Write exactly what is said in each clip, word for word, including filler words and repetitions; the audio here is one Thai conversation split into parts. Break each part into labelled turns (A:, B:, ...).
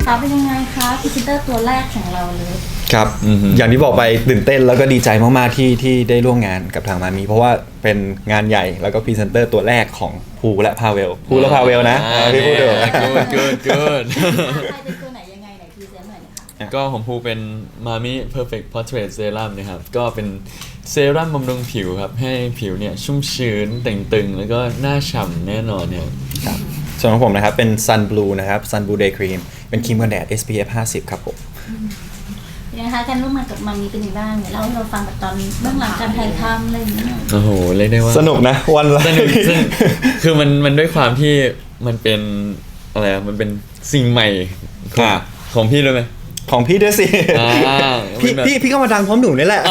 A: คะเป็นยังไงคะพรีเซนเตอร์ตัวแรกของเราเลย
B: ครับอย่างที่บอกไปตื่นเต้นแล้วก็ดีใจมากๆที่ที่ได้ร่วมงานกับทางมามีเพราะว่าเป็นงานใหญ่แล้วก็พรีเซนเตอร์ตัวแรกของภูและพาเวลภูและพาเวลนะพี่พูดเถอะ
C: good good good
A: ใครเป็นตัวไหนยังไงไหนพรีเซนต์หน่อยนะคะ
C: ก็ของภูเป็น Mami Perfect Portrait Serum นะครับก็เป็นเซรั่มบำรุงผิวครับให้ผิวเนี่ยชุ่มชื้นเต่งตึงแล้วก็หน้าฉ่ำแน่นอนเนี่ย
B: ครับส่วนของผมนะครับเป็น Sun Blue นะครับ Sun Blue Day Cream เป็นครีมกันแดด เอส พี เอฟ ห้าสิบครับผม
A: นะคะการร่วมงานกับมามีเป็นยังไงบ้างเนี่ยเล่าให้เราฟังแบบตอนเบื้องหลังการถ่ายทำอะไรอย่างเงี้ย
C: โอ้โหเรียกได้ว่า
B: สนุกนะวันละ
C: สนุกซึ่งคือมันมันด้วยความที่มันเป็นอะไรอะมันเป็นสิ่งใหม่ของของพี่ด้วยไหม
B: ของพี่ด้วยสิพี่พี่พี่ก็มาดังพร้อมหนูนี่แหละ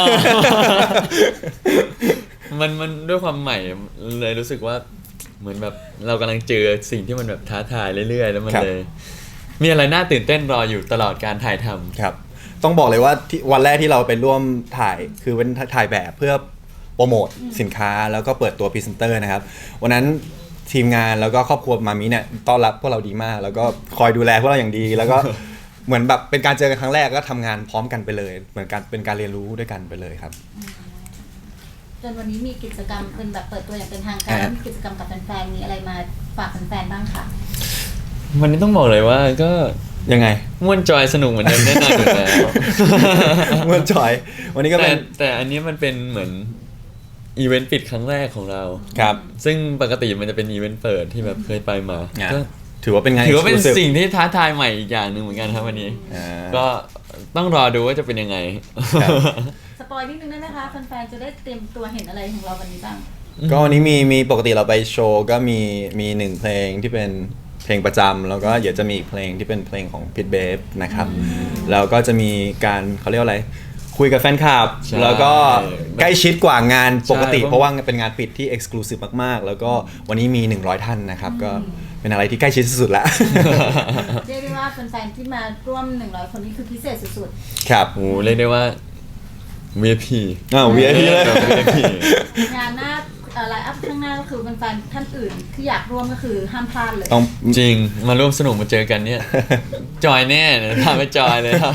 C: มันมันด้วยความใหม่เลยรู้สึกว่าเหมือนแบบเรากำลังเจอสิ่งที่มันแบบท้าทายเรื่อยๆแล้วมันเลยมีอะไรน่าตื่นเต้นรออยู่ตลอดการถ่ายทำ
B: ครับต้องบอกเลยว่าที่วันแรกที่เราไปร่วมถ่ายคือเป็นถ่ายแบบเพื่อโปรโมทสินค้าแล้วก็เปิดตัวพรีเซนเตอร์นะครับวันนั้นทีมงานแล้วก็ครอบครัวมามิเนี่ยต้อนรับพวกเราดีมากแล้วก็คอยดูแลพวกเราอย่างดีแล้วก็เหมือนแบบเป็นการเจอกันครั้งแรกก็ทำงานพร้อมกันไปเลยเหมือนการเป็นการเรียนรู้ด้วยกันไปเลยครับ
A: จนวันนี้มีกิจกรรมเป็นแบบเปิดตัวอย่างเป็นทางการมีกิจกรรมกับแฟนๆมีอะไรมาฝากแฟนๆบ้างคะ
C: วันนี้ต้องบอกเลยว่าก็
B: ยังไง
C: ม่วนจอยสนุกเหมือนเดิมแน่นอนอยู่แล้ว
B: ม่วนจอยวันนี้ก็เป็น
C: แต่อันนี้มันเป็นเหมือนอีเวนต์ปิดครั้งแรกของเรา
B: ครับ
C: ซึ่งปกติมันจะเป็นอีเวนต์เปิดที่แบบเคยไปมาก็
B: ถือว่าเป็นไง
C: ถือว่าเป็นสิ่งที่ท้าทายใหม่อีกอย่างหนึ่งเหมือนกันครับวันนี้ก็ต้องรอดูว่าจะเป็นยังไง
A: สปอยนิดนึงได้ไหมคะแฟนๆจะได้เตรียมตัวเห็นอะไรของเราวันนี้บ้าง
B: ก็วันนี้มีมีปกติเราไปโชว์ก็มีมีหนึ่งเพลงที่เป็นเพลงประจำแล้วก็เดี๋ยวจะมีอีกเพลงที่เป็นเพลงของพิทเบฟนะครับแล้วก็จะมีการเขาเรียกว่าอะไรคุยกับแฟนคลับแล้วก็ใกล้ชิดกว่างานปกติเพราะว่าเป็นงานปิดที่เอ็กซ์คลูซีฟมากๆแล้วก็วันนี้มีหนึ่งร้อยท่านนะครับก็เป็นอะไรที่ใกล้ชิดสุดๆแล้ว
A: เรียกได้ว่าแฟนๆที่มาร่วมหนึ่งร้อยคนนี้คือพิเศษสุด
B: ๆครับ
C: โอ้เรียกได้ว่า วี ไอ พี
B: อ้าว วี ไอ พี เลย
A: งานหน้าไลน์อัพข้างหน้าก็คือแฟนๆท่านอื่นที่อยากร่วมก็คือห้ามพลาดเลย
C: จริงมาร่วมสนุกมาเจอกันเนี่ยจอยแน่เนี่ยพาไปจอยเลยครับ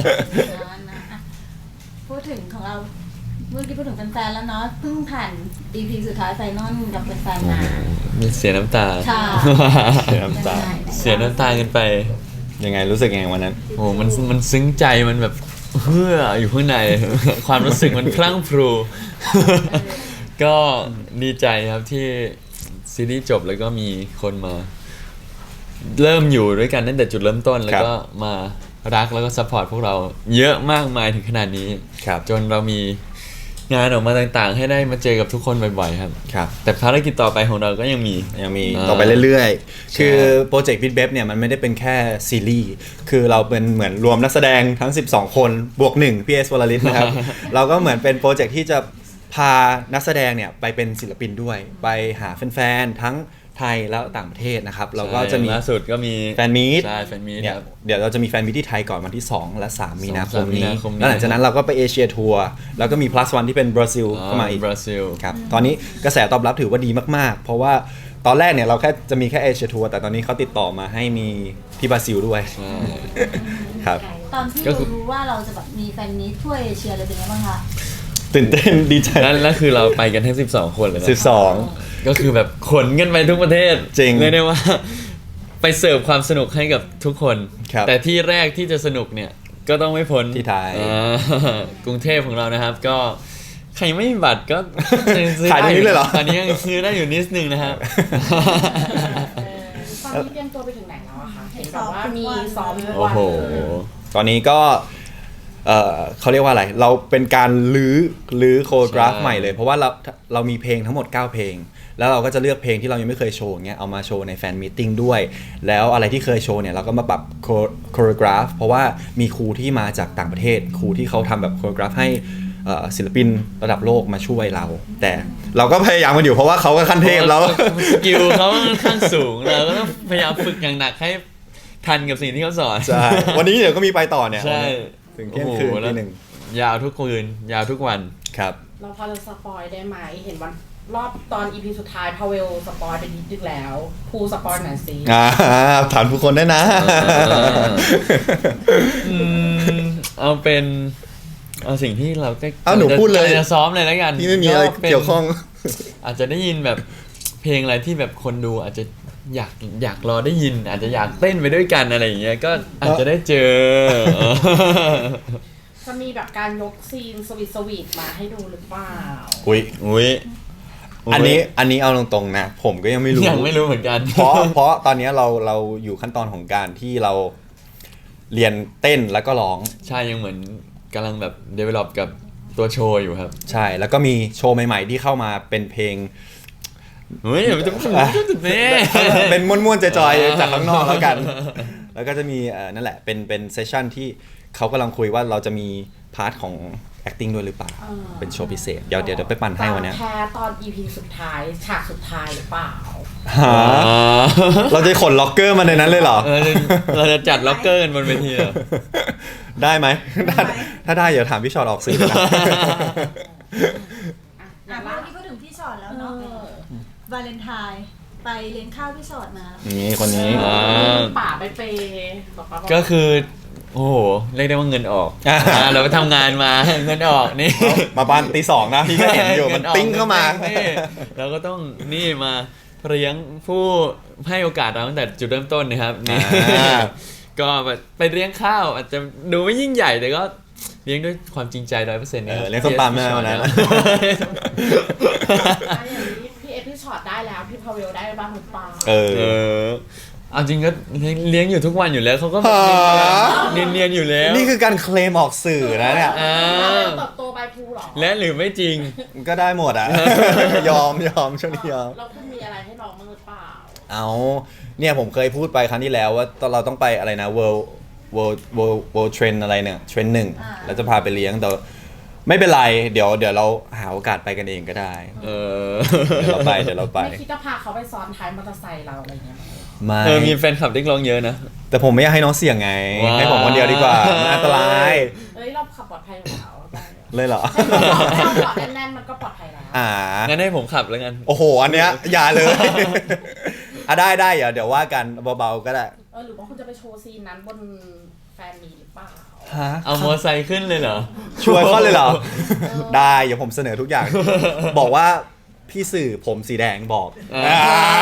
A: พูดถึงของเราเมื่อกี้พูดถึงแฟนๆแล้วเนาะเพิ่งผ่าน อี พี สุดท้ายไฟนอลกับแฟนๆมา
C: มีเสียน้ำตา
B: เสียน้ำตา
C: เสียน้ำตากันไป
B: ยังไงรู้สึกยังไงวันนั้น
C: โอ้มันมันซึ้งใจมันแบบเฮืออยู่ข้างในความรู้สึกมันพลั่งพรูก็ดีใจครับที่ซีรีส์จบแล้วก็มีคนมาเริ่มอยู่ด้วยกันตั้งแต่จุดเริ่มต้นแล้วก็มารักแล้วก็ซัพพอร์ตพวกเราเยอะมากมายถึงขนาดนี้จนเรามีงานออกมาต่างๆให้ได้มาเจอกับทุกคนบ่อยๆครับ
B: ครับ
C: แต่ภารกิจต่อไปของเราก็ยังมี
B: ยังมีต่อไปเรื่อยๆคือโปรเจกต์พิทเบฟเนี่ยมันไม่ได้เป็นแค่ซีรีส์คือเราเป็นเหมือนรวมนักแสดงทั้งสิบสองคนบวกหนึ่งพี่เอสวลลิตนะครับ เราก็เหมือนเป็นโปรเจกต์ที่จะพานักแสดงเนี่ยไปเป็นศิลปินด้วยไปหาแฟนๆทั้งไทยแล้วต่างประเทศนะครับเราก็จะมี
C: ล่าสุดก็มี
B: แฟนมีต
C: ใช่แฟนมีต
B: เนี่ยเดี๋ยวเราจะมีแฟนมีตที่ไทยก่อนวันที่สองและสามมีนาคมนี้แล้วหลังจากนั้นเราก็ไปเอเชียทัวร์แล้วก็มี plus one ที่เป็นบราซิลเข้ามาอีก
C: บราซิล
B: ครับตอนนี้กระแสตอบรับถือว่าดีมากๆเพราะว่าตอนแรกเนี่ยเราแค่จะมีแค่เอเชียทัวร์แต่ตอนนี้เขาติดต่อมาให้มีที่บราซิลด้วยครับ
A: ตอนที่รู้ว่าเราจะแบบมีแฟนมีตทั่วเอเชียเลยเป็นยังไงบ้างคะ
B: ตื่นเต้นดีใจ
C: แล้วคือเราไปกันทั้งสิบสองคนเลยนะ
B: สิบสอง
C: ก็คือแบบขนกันไปทุกประเทศ
B: จริง
C: เลยได้ว่าไปเสิร์ฟความสนุกให้กับทุกคนแต่ที่แรกที่จะสนุกเนี่ยก็ต้องไม่พ้น
B: ที่ไทย
C: กรุงเทพของเรานะครับก็ใครไม่มีบัตรก็
B: ขายตรงนี้เลยเหรอ
C: ตอนนี้ยังซื้อได้อยู่นิดนึงนะครับ
D: ตอนนี้เตรียมตัวไปถึงไหนแล้วอะคะเห็นแบบว่ามีซ้อมทุกวัน
B: โอ้โหตอนนี้ก็เอ่อเขาเรียกว่าอะไรเราเป็นการลื้อลื้อโคโรกราฟใหม่เลยเพราะว่าเราเรามีเพลงทั้งหมดเก้าเพลงแล้วเราก็จะเลือกเพลงที่เรายังไม่เคยโชว์เงี้ยเอามาโชว์ในแฟนมีตติ้งด้วยแล้วอะไรที่เคยโชว์เนี่ยเราก็มาปรับโคโรกราฟเพราะว่ามีครูที่มาจากต่างประเทศครูที่เขาทำแบบโคโรกราฟให้ศิลปินระดับโลกมาช่วยเราแต่เราก็พยายามกันอยู่เพราะว่าเขาก็ขั้นเทพแล้ว
C: สกิลเขาค่อนข้างสูงเราก็ต้องพยายามฝึกอย่างหนักให้ทันกับสิ่งที่เขาสอน
B: ใช่วันนี้เดี๋ยวก็มีไปต่อเนี่ย
C: ใช่
B: ถึงเที่ยงคืนทีหนึ่ง
C: ยาวทุกคืนยาวทุกวัน
B: ครับ
D: เราพอจะสปอยได้ไหมเห็นวันรอบตอน อี พี สุดท้ายพาเวลสปอยไปนิดนึงแล้วภูสปอยหน่อยสิ
B: อ่าถามทุกคนได้นะ
C: อืมเอาเป็นเอาสิ่งที่เราก็
B: เอาหนูพูดเลย
C: จะซ้อมเลยแล้วกัน
B: ที่ไม่มีอะไร
C: ป็น
B: เกี่ยวข้อง
C: อาจจะได้ยินแบบเพลงอะไรที่แบบคนดูอาจจะอยากอยากรอได้ยิน อาจจะอยากเต้นไปด้วยกันอะไรอย่างเงี้ยก็อาจจะได้เจอ
D: จะมีแบบการยกซีนสวีทสวีทมาให้ดูหรือเปล่า
B: อุ้ย
C: อุ้ย
B: อันนี้อันนี้เอาตรงๆนะ ผมก็ยังไม่รู้
C: ยังไม่รู้เหมือนกัน
B: เพราะเพราะตอนนี้เราเราอยู่ขั้นตอนของการที่เราเรียนเต้นแล้วก็ร้อง
C: ใช่ยังเหมือนกำลังแบบ develop กับตัวโชว์อยู่ครับ
B: ใช่แล้วก็มีโชว์ใหม่ ๆ ที่เข้ามาเป็นเพลง
C: เฮ้ยเดี๋ยวมันจะเนี่ย
B: เป็นม้วนๆจอยๆจากข้างนอกแล้วกัน แล้วก็จะมีเอ่อนั่นแหละเป็นเป็นเซสชั่นที่เขากำลังคุยว่าเราจะมีพาร์ทของ acting ด้วยหรือเปล่า
D: อ่า
B: เป็นโชว์พิเศษ เดี๋ยวเดี๋ยวเดี๋ยวไปปั่นให้วันเนี้ย
D: แพ้ตอน อี พี สุดท้ายฉากสุดท้ายหรือเปล่า
B: หาเราจะขนล็อกเกอร์มาในนั้นเลยเหรอ
C: เออเราจะจัดล็อกเกอร์กันบนเวทีเหรอ
B: ได้ไหมถ้าถ้าได้เดี๋ยวถามพี่ชอตออกสื่อนะ
A: อ่ะพอที่พูดถึงพี่ชอตแล้วเนาะ
D: เออ
A: วาเลนไทน์ไปเลี้ยงข้าวพี่ชอตมา
B: นี่คนนี้
C: อ่า
D: ป่าไปเปย์บอกว่า
C: ก็คือ โอ้โหเรียกได้ว่าเงินออก
B: อ่า
C: อ่าเราไปทำงานมาเงินออกนี่
B: มาบ้านตีสองนะพี่ก็เห็นอยู่มันติ้งเข้ามา
C: นี่เราก็ต้องนี่มาเลี้ยงผู้ให้โอกาสเราตั้งแต่จุดเริ่มต้นนะครับนี่
B: อ่า
C: ก็ไปเลี้ยงข้าวอาจจะดูไม่ยิ่งใหญ่แต่ก็เลี้ยงด้วยความจริงใจร้อยเปอร์เซ็นต์
B: เออเลี้ยงส้มตำแม่วันนั้น
D: อันอย่างนี้พี่เอพี่ช็อตได้แล้วพี่พาเวลได้บ้างหรือเปล่า
B: เอ
C: เอ
B: อ
C: อเอาจริงก็เลี้ยงอยู่ทุกวันอยู่แล้วเขาก็
B: หา
C: เนียนเนียนๆอยู่แล้ว
B: นี่คือการเคลมออกสื่อนะเนี่ย
C: อ่า
D: เติบโตไปภูเหรอ
C: และหรือไม่จริง
B: ก็ได้หมดอ่ะ ยอมยอมช่วงนี้ยอม
D: เราคุณมีอะไรให้น้องบ้างหรือเปล่า
B: เอาเนี่ยผมเคยพูดไปครั้งที่แล้วว่าตอนเราต้องไปอะไรนะ world world world world trend อะไรเนี่ย trend หนึ่ง
A: อ่า
B: แล้วจะพาไปเลี้ยงแต่ไม่เป็นไรเดี๋ยวเดี๋ยวเราหาโอกาสไปกันเองก็ได้
C: เออ
B: เดี๋ยวเราไปเดี๋ยวเราไป
D: ไม่คิดจะพาเขาไปซ้อนท้ายมอเตอร์ไซค์เราอะไรเงี้ยมั้ย
B: ไม่
C: เออมีแฟนคลับเรียกร้องเยอะนะ
B: แต่ผมไม่อยากให้น้องเสี่ยงไง
C: ว้าว
B: ให้ผมคนเดียวดีกว่ามันอันตราย
D: เอ้ยเราขับปลอดภัยอยู่แล้วได้
B: เลยเหรอ
D: ถ้าเราเกาะแน่นๆมันก็ปลอดภัยแล้ว
B: อ่า
C: งั้นให้ผมขับแล้วกัน
B: โอ้โห อันเนี้ยอย่าเลย อ่ะได้ได้เดี๋ยวเดี๋ยวว่ากันเบาๆก็ได้
D: เออหรือว่าคุณจะไปโชว์ซีนนั้นบนแฟนมีหรือเปล่า
B: ฮะ
C: เอามอไซค์ขึ้นเลยเหรอ
B: ช่วยเขาเลยเหรอ ได้เดี๋ยวผมเสนอทุกอย่าง บอกว่าพี่สื่อผมสีแดงบอก
C: อ่า
B: อ่า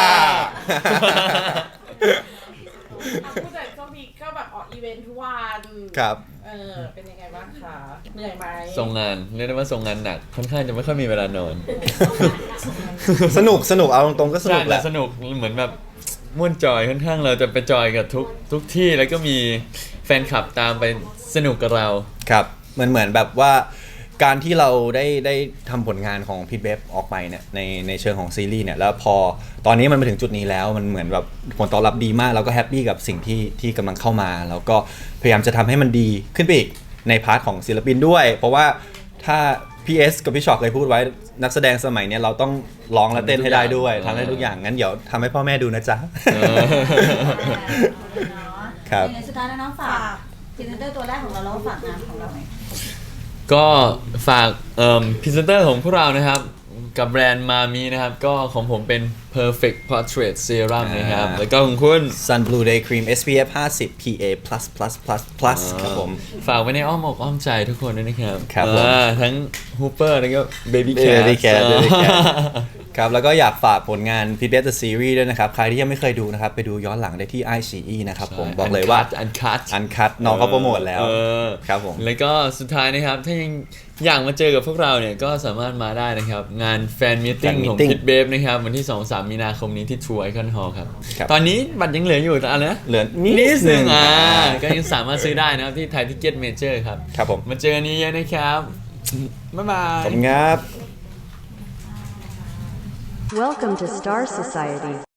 D: อ่ะผู้จัดช่วงนี้ก็แบบออกอีเวนท์ทุกวัน
B: ครับ
D: เออเป็นยังไงบ้างคะเหนื่อยไหม
C: ส่งงานเรียกได้ว่าส่งงานหนักค่อนข้างจะไม่ค่อยมีเวลานอน
B: สนุกสนุกเอาตรงๆก็สนุ
C: ใช่
B: กแห
C: แต่
B: ละ
C: สนุกเหมือนแบบม่วนจอยค่อนข้างเราจะไปจอยกับทุกทุกที่แล้วก็มีแฟนคลับตามไปสนุกกับเรา
B: ครับเหมือนเหมือนแบบว่าการที่เราได้ได้ทำผลงานของพี่เบฟออกไปเนี่ยในในเชิงของซีรีส์เนี่ยแล้วพอตอนนี้มันมาถึงจุดนี้แล้วมันเหมือนแบบผลตอบรับดีมากเราก็แฮปปี้กับสิ่งที่ที่กำลังเข้ามา แล้วก็พยายามจะทำให้มันดีขึ้นไปอีกในพาร์ทของศิลปินด้วย เพราะว่าถ้าพีเอสกับพี่ชอตเคยพูดไว้นักแสดงสมัยเนี้ยเราต้องร้องและเต้นให้ได้ด้วยทำให้ทุกอย่างงั้นเดี๋ยวทำให้พ่อแม่ดูนะจ๊ะ
C: เออ
B: ครับ
A: ในสุดท้ายแล้วน้องฝากพรีเซนเตอร์ตัวแรกของเราแล้วก็ฝากงานของเราหน่อย
C: ก็ฝากเอ่อพรีเซนเตอร์ของพวกเรานะครับกับแบรนด์มามีนะครับก็ของผมเป็น perfect portrait serum นะครับ
B: อ่า
C: แล้วก็ของคุณ
B: Sun Blue Day Cream เอส พี เอฟ ห้าสิบ พี เอ plus plus plus plus ครับผม
C: ฝากไว้ในอ้อมอกอ้อมใจทุกคนด้วยนะครับ
B: ครับผม
C: อ่าทั้ง Hooper แล้วก็ Baby Cat
B: Baby Cat Baby Cat
C: อ่า
B: ครับแล้วก็อยากฝากผลงาน p ี b เ The Series ด้วยนะครับ ใครที่ยังไม่เคยดูนะครับ ไปดูย้อนหลังได้ที่ ไอ ซี อี นะครับผมบอกเลยว่า
C: อันคัท
B: อันคัดน้องเขาโปรโมทแล้ว
C: เออ
B: ครับผม
C: แล้วก็สุดท้ายนะครับ ถ้ายังอยากมาเจอกับพวกเราเนี่ย ก็สามารถมาได้นะครับ งานแฟนมิทติ้ง
B: Fan
C: ของ
B: Meeting
C: พิทเบฟนะครับ วันที่ สองถึงสาม มีนาคมนี้ที่ True Icon Hall ครับ
B: ครับ
C: ตอนนี้บัตรยังเหลืออยู่แต่อะไรนะ
B: เหลือนิ
C: นิ
B: ด
C: ด
B: นึ
C: นึ
B: ง
C: งอ่า
B: อ่า
C: ก็ยังสามารถซื้อได้นะครับ ที่ไทยทิเก็ตเมเจอร์ครับ
B: ครับผม
C: มาเจอกันนี้เยอะนะครับ บ๊ายบาย
B: ขอบคุณครับ
E: Welcome to Star Society.